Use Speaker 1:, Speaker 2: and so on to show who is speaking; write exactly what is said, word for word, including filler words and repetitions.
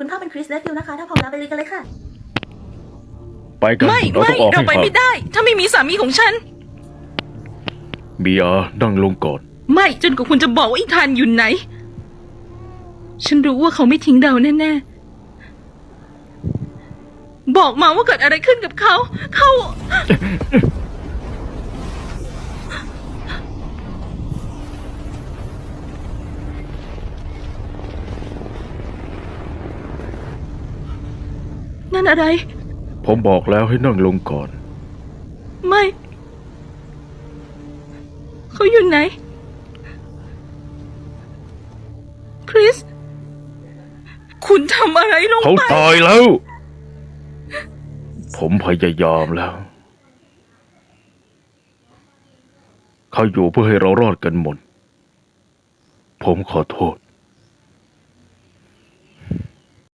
Speaker 1: คุณพ่อเป็นคริสและฟิลนะคะถ้าพร้อมแล้วไปลุยกันเลยค่ะ
Speaker 2: ไปกัน
Speaker 3: ไม่
Speaker 2: เรา
Speaker 3: ไม่
Speaker 2: ต้องออก
Speaker 3: เรา
Speaker 2: ให้
Speaker 3: ไป
Speaker 2: ทัน
Speaker 3: ไม่ได้ ถ้าไม่มีสามีของฉัน
Speaker 2: เบียร์นั่งลงก่อน
Speaker 3: ไม่จนกว่าคุณจะบอกว่าอีธานอยู่ไหน ฉันรู้ว่าเขาไม่ทิ้งเราแน่ๆบอกมาว่าเกิดอะไรขึ้นกับเขา เขานั่นอะไร
Speaker 2: ผมบอกแล้วให้นั่งลงก่อน
Speaker 3: ไม่ เขาอยู่ไหน คริส คุณทำอะไรลง
Speaker 2: เขา
Speaker 3: ไป
Speaker 2: ตายแล้ว ผมพยายามแล้ว เขาอยู่เพื่อให้เรารอดกันหมด ผมขอโทษ